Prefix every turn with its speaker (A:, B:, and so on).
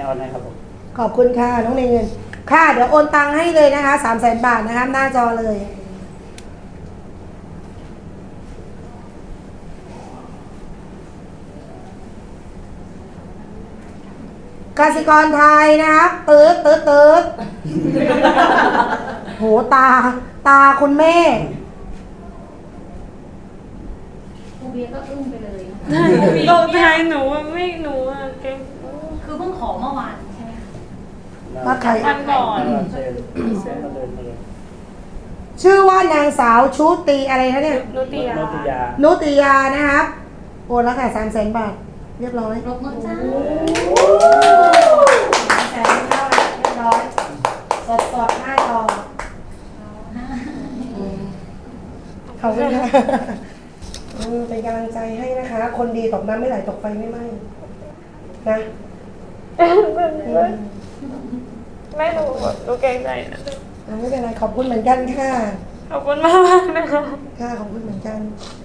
A: ออนให้ครับผม
B: ขอบคุณค่ะน้องเงินค่ะเดี๋ยวโอนตังค์ให้เลยนะคะ300,000 บาทนะคะหน้าจอเลยกสิกรไทยนะครับตืดโหตาคุณแม่
C: ครูเบียร์ก็อึ้งไปเลย
D: ตกใจหนูไม่หนูอะเก่ง
C: คือเพิ่งขอเมื่อวานใช่ไหมคะ
B: มาใคร
D: วันก่อน
A: เชิญมาเดินมาเลย
B: ชื่อว่านางสาวชุติอะไรคะเนี่ย
D: นุติยา
B: นุติยานะครับโอนแล้วค่ะ300,000 บาทเรียบร้อย
C: รบมือจ้า
B: 300,000เข้าแล้วเรียบร้อยสดหน้าจอขอบคุณค่ะเป็นกำลังใจให้นะคะ คนดีตกน้ำไม่ไหลตกไฟไม่ไหม้นะ
D: ไม่หนูเก่งใจนะ
B: ไม่เป็นไรขอบคุณเหมือนกันค่ะ
D: ขอบคุณมากนะคะ
B: ค่ะขอบคุณเหมือนกัน